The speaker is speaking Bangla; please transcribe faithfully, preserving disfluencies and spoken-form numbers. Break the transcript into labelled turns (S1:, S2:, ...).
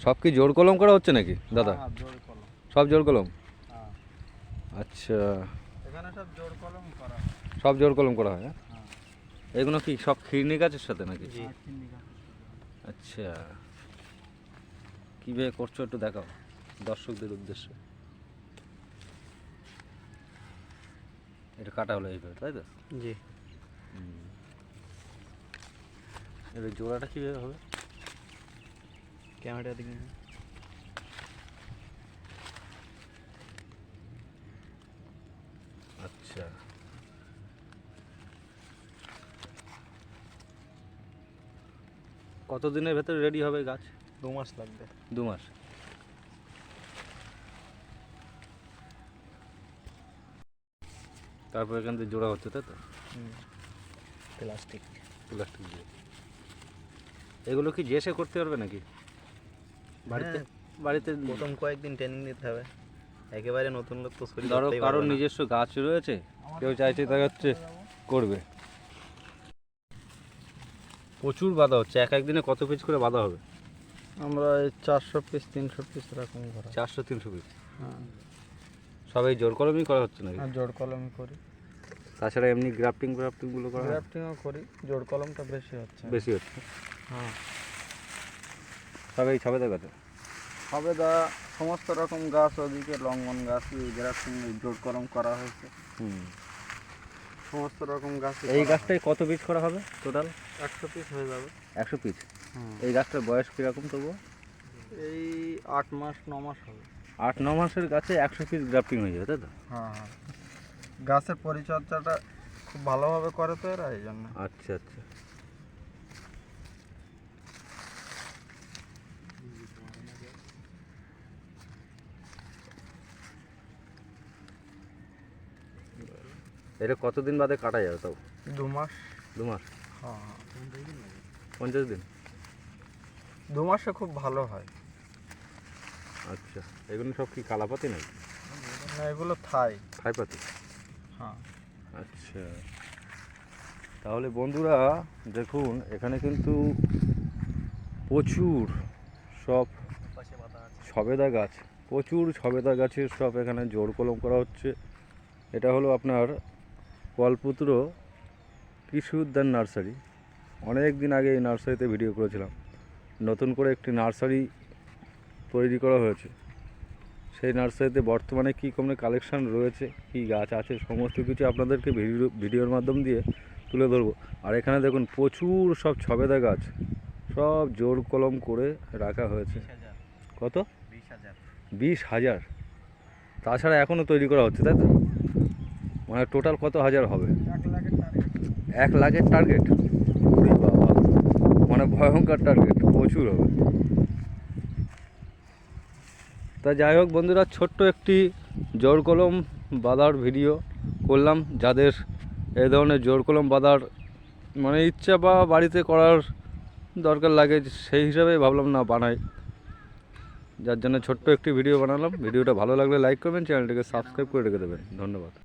S1: সব কি জোর কলম করা হচ্ছে নাকি দাদা?
S2: হ্যাঁ, জোর কলম।
S1: সব জোর কলম?
S2: হ্যাঁ,
S1: আচ্ছা,
S2: এখানে সব জোর কলম করা হয়।
S1: সব জোর কলম করা হয়? হ্যাঁ,
S2: হ্যাঁ,
S1: এগুলো কি সব খিরনি গাছের সাথে নাকি?
S2: জি। আর তিন বিঘা আছে।
S1: আচ্ছা, কীভাবে করছো একটু দেখাও দর্শকদের উদ্দেশ্যে। এটা কাটা হলো এইভাবে, তাই তো?
S2: জি।
S1: হুম। এবার জোড়াটা কীভাবে হবে?
S2: ক্যামেরা দিকে না।
S1: আচ্ছা, কতদিনের ভেতরে রেডি হবে গাছ?
S2: দু মাস লাগবে।
S1: দু মাস। তারপর এখান থেকে জোড়া হচ্ছে, তাই তো?
S2: হুম, প্লাস্টিক।
S1: প্লাস্টিক দিয়ে। এগুলো কি জেসে করতে পারবে নাকি বাড়িতে?
S2: হ্যাঁ,
S1: বাড়িতে
S2: প্রথম কয়েকদিন ট্রেনিং নিতে হবে। একেবারে নতুন লোক তো শরীর
S1: ধরো
S2: ধরতেই
S1: কারোর
S2: পারবে না।
S1: নিজস্ব গাছ রয়েছে, কেউ চাইছে তা হচ্ছে করবে। প্রচুর বাঁধা হচ্ছে, এক একদিনে কত পিস করে বাঁধা হবে?
S2: আমরা এই চারশো পিস তিনশো পিস এরকম করা।
S1: চারশো তিনশো পিস?
S2: হ্যাঁ,
S1: সব এই জোর কলমই করা হচ্ছে নাকি?
S2: আর জোর কলম করি।
S1: তাছাড়া এমনি গ্রাফটিং গ্রাফটিংগুলো করা হয়?
S2: গ্রাফটিংও করি, জোর কলমটা বেশি হচ্ছে।
S1: বেশি হচ্ছে।
S2: হ্যাঁ,
S1: সব এই ছবে দেখাতে?
S2: সবেদা সমস্ত রকম গাছ, ওদিকে লঙ্ঘন গাছ গ্রাফটিং জোর কলম করা হয়েছে।
S1: হুম।
S2: সমস্ত রকম গাছ।
S1: এই গাছটায় কত পিস করা হবে টোটাল?
S2: একশো পিস হয়ে যাবে।
S1: একশো পিস?
S2: হুম,
S1: এই গাছটার বয়স কীরকম তবুও?
S2: এই আট মাস ন মাস হবে।
S1: আট ন মাসের গাছে একশো পিস গ্রাফটিং হয়ে যাবে, তাই তো?
S2: হ্যাঁ হ্যাঁ, গাছের পরিচর্যাটা খুব ভালোভাবে করে তো এরা, এই জন্য।
S1: আচ্ছা আচ্ছা। এটা কতদিন বাদে কাটা যাবে তাও?
S2: দু মাস।
S1: দু মাস?
S2: হ্যাঁ,
S1: পঞ্চাশ দিন?
S2: দু মাসে খুব ভালো হয়।
S1: আচ্ছা, এগুলো সব কি কালাপাতি নাকি?
S2: না, এগুলো থাই।
S1: থাই পাতি?
S2: হ্যাঁ,
S1: আচ্ছা, তাহলে বন্ধুরা দেখুন এখানে কিন্তু প্রচুর সব সবেদা গাছ, প্রচুর সবেদা গাছের সব এখানে জোর কলম করা হচ্ছে। এটা হলো আপনার কল্পতরু কৃষি উদ্যান নার্সারি। অনেক দিন আগে এই নার্সারিতে ভিডিও করেছিলাম। নতুন করে একটি নার্সারি তৈরি করা হয়েছে। সেই নার্সারিতে বর্তমানে কী কোনো কালেকশান রয়েছে, কী গাছ আছে, সমস্ত কিছু আপনাদেরকে ভিডিও ভিডিওর মাধ্যম দিয়ে তুলে ধরবো। আর এখানে দেখুন প্রচুর সব ছবেদা গাছ, সব জোর কলম করে রাখা হয়েছে। কত?
S2: বিশ হাজার।
S1: বিশ হাজার? তাছাড়া এখনও তৈরি করা হচ্ছে, তাই তো? মানে টোটাল কত হাজার হবে?
S2: এক লাখের টার্গেট।
S1: এক লাখের টার্গেট? বাবা, মানে ভয়ঙ্কর টার্গেট, প্রচুর হবে। তা যাই হোক বন্ধুরা, ছোট্ট একটি জোর কলম বাঁধার ভিডিও করলাম। যাদের এই ধরনের জোর কলম বাঁধার মানে ইচ্ছা বা বাড়িতে করার দরকার লাগে, সেই হিসাবে ভাবলাম না বানাই, যার জন্য ছোট্ট একটি ভিডিও বানালাম। ভিডিওটা ভালো লাগলে লাইক করবেন, চ্যানেলটিকে সাবস্ক্রাইব করে রেখে দেবেন। ধন্যবাদ।